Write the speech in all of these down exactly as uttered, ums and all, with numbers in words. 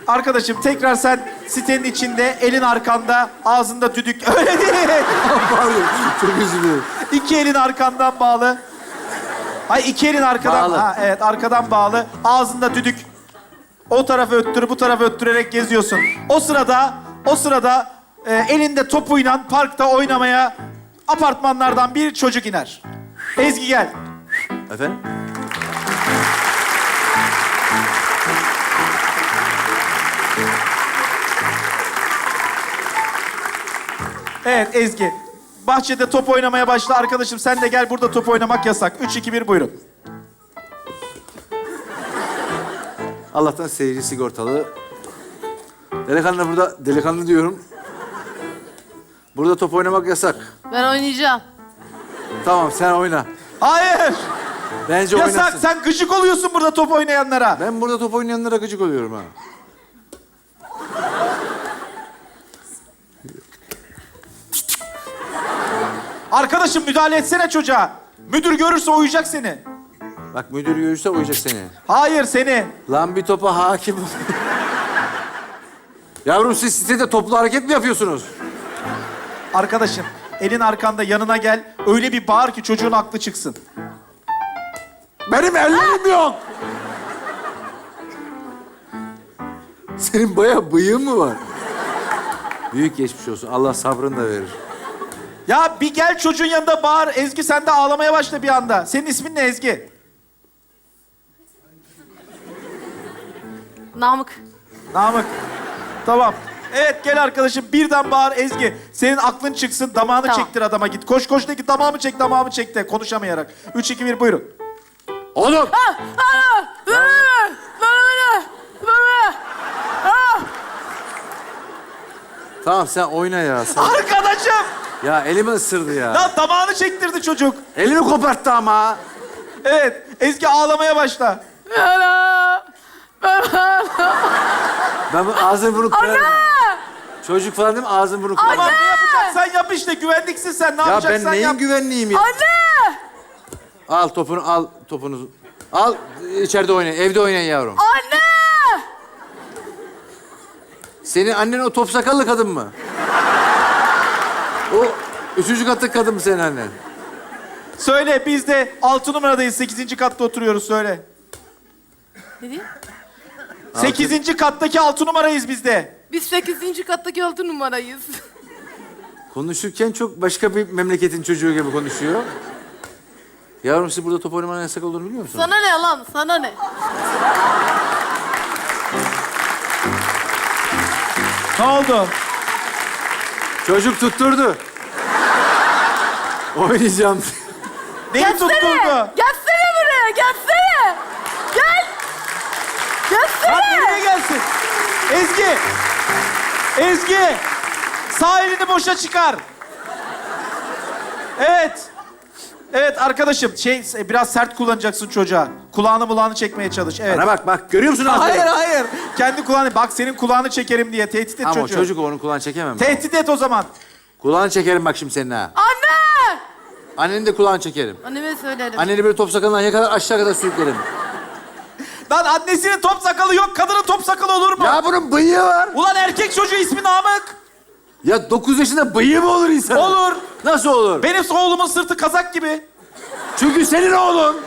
Arkadaşım tekrar sen sitenin içinde, elin arkanda, ağzında düdük. Öyle değil. Pardon, çok özür dilerim. İki elin arkandan bağlı. Ay iki elin arkadan. Bağlı. Ha, evet arkadan bağlı. Ağzında düdük. O tarafı öttür, bu tarafı öttürerek geziyorsun. O sırada, o sırada e, elinde topuyla parkta oynamaya apartmanlardan bir çocuk iner. Ezgi gel. Efendim? Evet Ezgi. Bahçede top oynamaya başla. Arkadaşım sen de gel, burada top oynamak yasak. Üç, iki, bir buyurun. Allah'tan seyirci sigortalı. Delikanlı burada, delikanlı diyorum. Burada top oynamak yasak. Ben oynayacağım. Tamam, sen oyna. Hayır. Bence Yasak. oynasın. Sen gıcık oluyorsun burada top oynayanlara. Ben burada top oynayanlara gıcık oluyorum ha. Arkadaşım müdahale etsene çocuğa. Müdür görürse uyuyacak seni. Bak müdür görürse uyacak seni. Hayır seni. Lan bir topa hakim ol. Yavrum siz sitede toplu hareket mi yapıyorsunuz? Arkadaşım elin arkanda, yanına gel. Öyle bir bağır ki çocuğun aklı çıksın. Benim ellerim yok. Senin bayağı bıyığın mı var? Büyük geçmiş olsun. Allah sabrını da verir. Ya bir gel çocuğun yanında bağır. Ezgi sen de ağlamaya başla bir anda. Senin ismin ne Ezgi? Namık. Namık. Tamam. Evet gel arkadaşım birden bağır Ezgi. Senin aklın çıksın, damağını Tamam. çektir adama git. Koş koş de git, damağımı çek, damağımı çek de konuşamayarak. Üç, iki, bir buyurun. Oğlum! Tamam sen oyna ya. Sen... Arkadaşım! Ya elimi ısırdı ya. Lan damağını çektirdi çocuk. Elimi koparttı ama. Evet Ezgi ağlamaya başla. Ben bu ağzını bunu kırarım. Çocuk falan değil mi? Ağzını bunu kırarım. Tamam ne yapacaksan yap işte, güvenliksin sen, ne Ya yapacaksan ben neyin yap. güvenliğiyim ya? Anne! Al topunu, al topunuzu. Al içeride oynayın, evde oynayın yavrum. Anne! Senin annen o top sakallı kadın mı? O üçüncü kattaki kadın mı senin annen? Söyle, biz de altı numaradayız, sekizinci katta oturuyoruz, söyle. Ne diyeyim? Sekizinci kattaki altı numarayız biz de. Biz sekizinci kattaki altı numarayız. Konuşurken çok başka bir memleketin çocuğu gibi konuşuyor. Yavrum siz burada top oynamanın yasak olduğunu biliyor musunuz? Sana ne lan? Sana ne? Ne oldu? Çocuk tutturdu. Oynayacağım. Neyi tutturdu? Gelsene buraya! Gelsene! Gel! Lan Gelsene! nereye gelsin? Ezgi! Ezgi! Sağ elini boşa çıkar. Evet. Evet arkadaşım, şey biraz sert kullanacaksın çocuğa. Kulağını mulağını çekmeye çalış. Evet. Bana bak bak görüyor musun? Hayır aferin? hayır. Kendi kulağını, bak senin kulağını çekerim diye tehdit et Ama o çocuğu. çocuk onun kulağını çekemem. Tehdit et o zaman. Kulağını çekerim bak şimdi senin ha. Anne! Annenin de kulağını çekerim. Anneme söylerim. Anneni böyle top sakalından yakalar aşağı kadar sürüklerim. Lan annesinin top sakalı yok, kadının top sakalı olur mu? Ya bunun bıyığı var. Ulan erkek çocuğu, ismi Namık. Ya dokuz yaşında bıyığı mı olur insan? Olur. Nasıl olur? Benim oğlumun sırtı kazak gibi. Çünkü senin oğlun.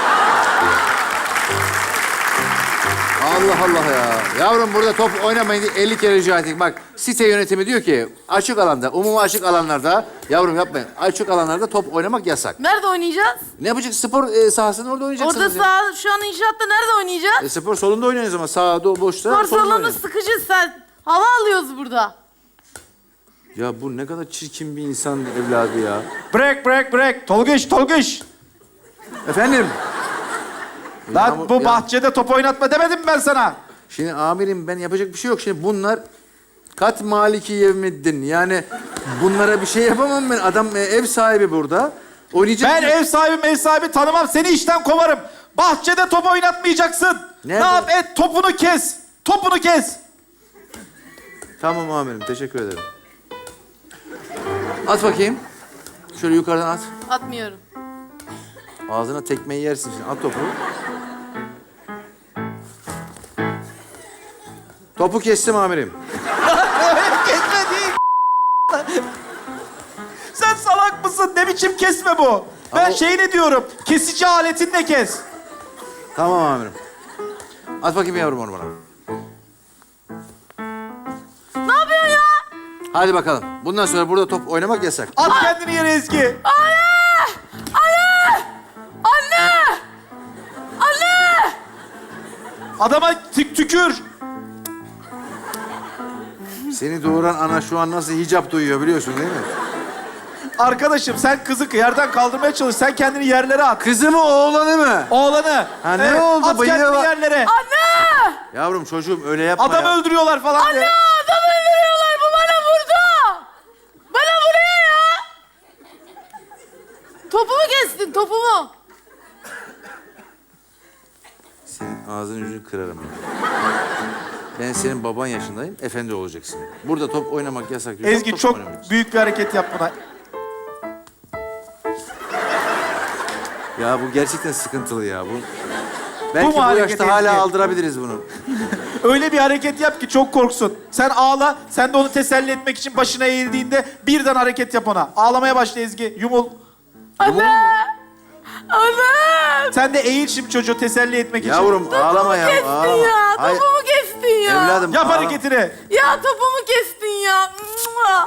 Allah Allah ya. Yavrum burada top oynamayın diye elli kere rica ettik. Bak site yönetimi diyor ki açık alanda, umumi açık alanlarda yavrum yapmayın. Açık alanlarda top oynamak yasak. Nerede oynayacağız? Ne yapacaksınız? Spor e, sahasında orada oynayacaksınız. Orada ya. sağ, şu an inşaatta nerede oynayacağız? E, spor salonunda oynayın ama sahada o boşta. Spor salonda salonu oynayın. sıkıcı sen. Hava alıyoruz burada. Ya bu ne kadar çirkin bir insan evladı ya. Bırak bırak bırak. Tolgış Tolgış. Efendim? Lan Ya bu ya- bahçede top oynatma demedim mi ben sana? Şimdi amirim ben yapacak bir şey yok. Şimdi bunlar kat maliki yevmiddin. Yani bunlara bir şey yapamam ben. Adam e, ev sahibi burada. Oynayacak. Ben ev sahibi ev sahibi tanımam. Seni işten kovarım. Bahçede top oynatmayacaksın. Nerede? Ne yap et, topunu kes. Topunu kes. Tamam amirim teşekkür ederim. At bakayım. Şöyle yukarıdan at. Atmıyorum. Ağzına tekmeyi yersin şimdi. At topu. Top Topu kestim amirim. Kesme değil. Sen salak mısın? Ne biçim kesme bu? Ben Ama- şeyini diyorum. Kesici aletinle kes. Tamam amirim. At bakayım yavrum onu bana. Ne yapıyorsun ya? Hadi bakalım. Bundan sonra burada top oynamak yasak. At kendini yere Ezgi. Anne! Anne! Anne! Anne! Adama tük tükür. Seni doğuran ana şu an nasıl hicap duyuyor biliyorsun değil mi? Arkadaşım sen kızı yerden kaldırmaya çalış. Sen kendini yerlere at. Kızı mı oğlanı mı? Oğlanı. Ha, ne oldu? At Bıyığı kendini var. yerlere. Anne! Yavrum çocuğum öyle yapma Adamı ya. öldürüyorlar falan diye. Anne! Adam öldürüyorlar. Bu bana vurdu. Bana vuruyor ya. Topumu kestin, topumu. Senin ağzının yüzünü kırarım ya. Ben senin baban yaşındayım, efendi olacaksın. Burada top oynamak yasak diyorsan Ezgi top çok oynamayacaksın. büyük bir hareket yap buna. Ya bu gerçekten sıkıntılı ya. Bu... Belki bu, mu hareket yaşta hala Ezgi? aldırabiliriz bunu. Öyle bir hareket yap ki çok korksun. Sen ağla, sen de onu teselli etmek için başına eğildiğinde birden hareket yap ona. Ağlamaya başla Ezgi, yumul. Anne! Anne! Sen de eğil şimdi çocuğu teselli etmek için. Yavrum ağlama ya. Kestin Ağlama. ya, Hayır, topumu kestin ya. evladım Yap ağlama. hareketini. Ya topumu kestin ya. Mua!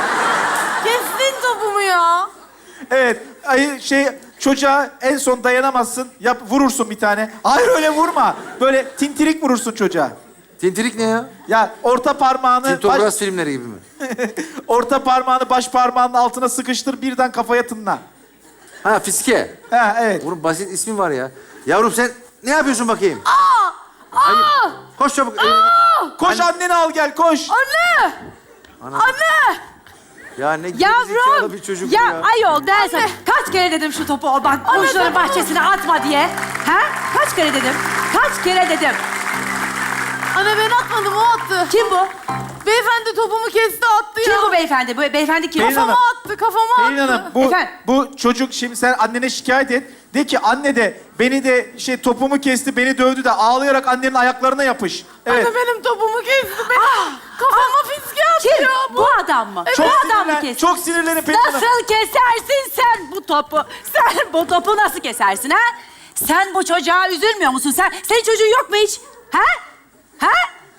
Kestin topumu ya. Evet, ay şey çocuğa en son dayanamazsın, yap vurursun bir tane. Hayır öyle vurma. Böyle tintirik vurursun çocuğa. Tintirik ne ya? Ya orta parmağını baş, Tintogras filmleri gibi mi? orta parmağını baş parmağının altına sıkıştır, birden kafaya tınla. Ha fiske. Ha evet. Bunun basit ismi var ya. Yavrum sen ne yapıyorsun bakayım? Aa! Koş çabuk. Koş anneni al gel, koş. Anne! Anne! Ya ne gerizekalı Yavrum! bir çocuk ya, ya. ayol dersen kaç kere dedim şu topu o bak komşuların bahçesine atma diye. Ha? Kaç kere dedim? Kaç kere dedim? Anne ben atmadım, o attı. Kim bu? Beyefendi topumu kesti, attı Kim ya. bu beyefendi? Bu beyefendi kim? Pelin Kafama Hanım. attı, kafama Pelin attı. Hanım, bu, Efendim? bu çocuk şimdi sen annene şikayet et. De ki anne de beni de şey topumu kesti, beni dövdü de ağlayarak annenin ayaklarına yapış. Evet. Anne benim topumu kesti. Benim kafama fiske attı Kim? ya bu. Bu adam mı? Çok bu adam mı sinirlen, kesti? çok sinirlenin Pelin Hanım. Nasıl kesersin sen bu topu? Sen bu topu nasıl kesersin ha? Sen bu çocuğa üzülmüyor musun? Sen senin çocuğun yok mu hiç? Ha? Ha?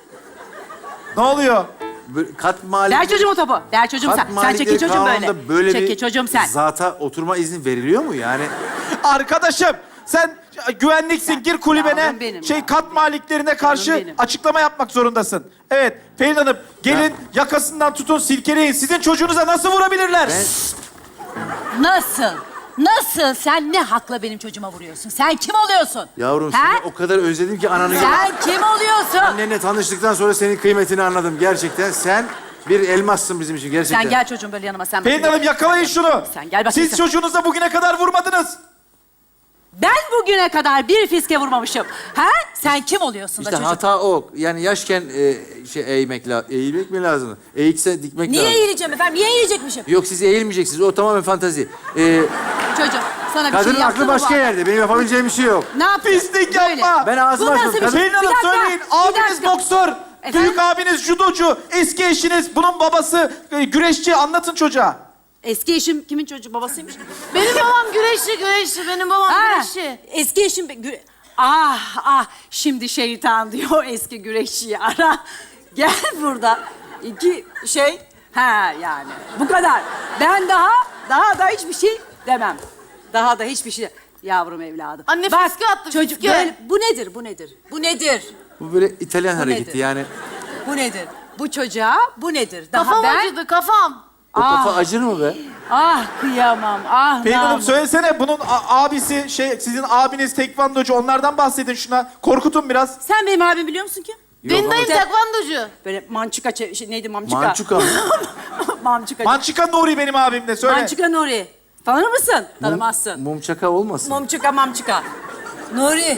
Ne oluyor? Böyle kat mali... Ver çocuğumu topu. Ver çocuğum Kat sen. Sen malikleri çekil çocuğum böyle. kanununda böyle çekil bir çocuğum sen. zata oturma izni veriliyor mu yani? Arkadaşım sen güvenliksin, gir kulübene. Yavrum benim Şey ya. kat maliklerine karşı Yavrum benim. açıklama yapmak zorundasın. Evet Pelin Hanım gelin yakasından tutun silkeleyin. Sizin çocuğunuza nasıl vurabilirler? Ben... Nasıl? Nasıl? Sen ne hakla benim çocuğuma vuruyorsun? Sen kim oluyorsun? Yavrum Ha? seni o kadar özledim ki ananı... Sen kim oluyorsun? Annenle tanıştıktan sonra senin kıymetini anladım gerçekten. Sen bir elmassın bizim için gerçekten. Sen gel çocuğum böyle yanıma. Sen Pelin bakayım. Hanım yakalayın şunu. Sen gel bakayım Siz sen. çocuğunuza bugüne kadar vurmadınız. Ben bugüne kadar bir fiske vurmamışım. Ha? Sen kim oluyorsun da İşte çocuk? hata o. Yani yaşken e, şey eğmek la eğilmek mi lazım? Eğikse dikmek Niye lazım. eğileceğim efendim? Niye eğilecekmişim? Yok siz eğilmeyeceksiniz. O tamamen fantazi. Ee, Çocuğum sana bir kadının şey yaptı aklı mı başka bu? yerde. Benim yapabileceğim bir şey yok. Ne yapıyorsun? Pislik Böyle. yapma. Ben ağzımı Bu nasıl açmadım. bir Kadın... şey? Pelin Hanım Bir dakika, söyleyin. bir Abiniz dakika. boksör. Efendim? Büyük abiniz judocu. Eski eşiniz. Bunun babası e, güreşçi. Anlatın çocuğa. Eski eşim kimin çocuğu babasıymış? Benim babam güreşçi, güreşçi. Benim babam Ha, güreşçi. eski eşim... be- Güre... Ah ah şimdi şeytan diyor eski güreşçiyi ara. Gel burada. İki şey... Ha yani bu kadar. Ben daha daha da hiçbir şey demem. Daha da hiçbir şey... Yavrum evladım. Anne fiske attı, Çocuk fiske. böyle... Bu nedir, bu nedir? Bu nedir? Bu böyle İtalyan Bu hareketi nedir? yani. Bu nedir? Bu çocuğa bu nedir? Daha Kafam ben... acıdı, kafam. O kafa acır mı be? Ah kıyamam, ah Pelin Hanım namus. söylesene bunun a- abisi şey sizin abiniz tekvandocu onlardan bahsedin şuna. Korkutun biraz. Sen benim abimi biliyor musun ki? Benim dayım ama- tekvandocu. Böyle mançuka, çe- şey, neydi mamçuka? Mançuka mı? Mamçuka. Mançika Nuri benim abim de söyle. Mançuka Nuri. Tanır mısın? Tanımazsın. Mumçaka olmasın? Mamçuka, mamçuka. Nuri.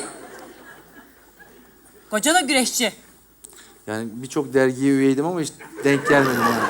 Koca da güreşçi. Yani birçok dergiye üyeydim ama hiç denk gelmedim yani.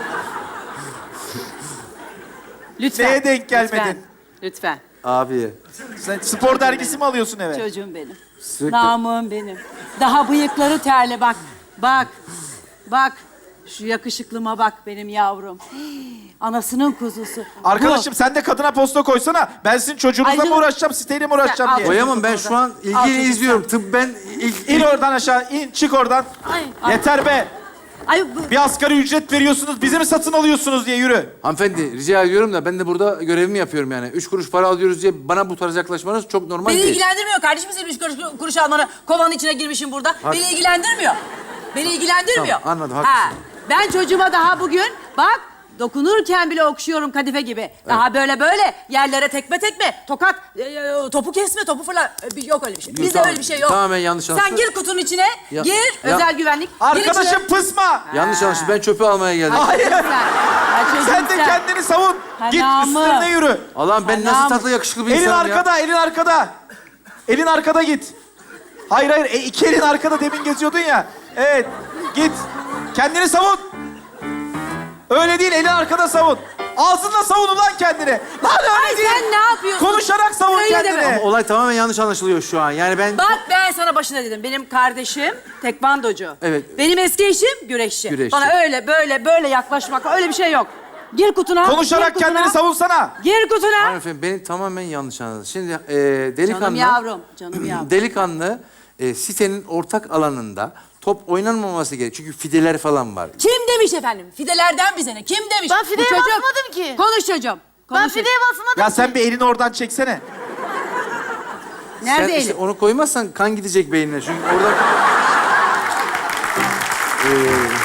Lütfen. Neye denk gelmedin? Lütfen. Lütfen. Abiye. Sen spor dergisi mi alıyorsun eve? Çocuğum benim. Sürekli. Namım benim. Daha bıyıkları terli bak. Bak, bak. Şu yakışıklıma bak benim yavrum. Hii, anasının kuzusu. Arkadaşım sen de kadına posta koysana. Ben sizin çocuğunuzla Ay, mı canım. uğraşacağım, siteyle mi uğraşacağım Sen diye. al. Koyamam ben şu an Al ilgili çocuğum izliyorum. Tıp ben ilk... İn oradan aşağı, in çık oradan. Ay. Yeter be. Bu... Ay bu... Bir asgari ücret veriyorsunuz, bizi mi satın alıyorsunuz diye yürü. Hanımefendi rica ediyorum da ben de burada görevimi yapıyorum yani. Üç kuruş para alıyoruz diye bana bu tarz yaklaşmanız çok normal Beni değil. ilgilendirmiyor kardeşim senin üç kuruş, kuruş almanı. Kovanın içine girmişim burada. Beni ilgilendirmiyor. Beni ilgilendirmiyor. Tamam, anladım, Ha, haklısın. ben çocuğuma daha bugün bak dokunurken bile okşuyorum kadife gibi. Daha böyle böyle yerlere tekme tekme, tokat, e, topu kesme, topu fırla. E, bir- Yok öyle bir şey. Bizde tamam. öyle bir şey yok. Tamamen yanlış Sen anlaşıldı. gir kutunun içine, Ya- gir. Ya- Özel güvenlik. Gir Arkadaşım içine. pısma. Yanlış anlaşıldı. Ben çöpü almaya geldim. Hayır. Sen, ha, çocuğum Sen de kendini savun. Git Anamı. üstlerine yürü. Allah'ım ben Anam. nasıl tatlı yakışıklı bir Elin insanım ya. arkada, elin arkada. Elin arkada git. Hayır hayır, e, iki elin arkada demin geziyordun ya. Evet, git. Kendini savun. Öyle değil, elin arkada savun. Ağzınla savun ulan kendini. Lan öyle Ay değil. sen ne yapıyorsun? Konuşarak savun Öyle kendini. deme. Olay tamamen yanlış anlaşılıyor şu an. Yani ben... Bak ben sana başına dedim. Benim kardeşim tekvandocu. Evet. Benim eski eşim güreşçi. Güreşçi. Bana öyle böyle böyle yaklaşmak öyle bir şey yok. Gir kutuna. Konuşarak gir kutuna, kendini savunsana. Gir kutuna. Hanımefendi beni tamamen yanlış anladınız. Şimdi e, delikanlı... Canım yavrum, canım yavrum. Delikanlı e, sitenin ortak alanında top oynanmaması gerekiyor. Çünkü fideler falan var. Kim demiş efendim? Fidelerden bize ne? Kim demiş? Ben Bu fideye çocuk- basmadım ki. Konuş çocuğum. Ben Konuş. fideye basmadım Ya ki. sen bir elini oradan çeksene. Nerede Sen işte elim? onu koymazsan kan gidecek beynine. Çünkü orada... E,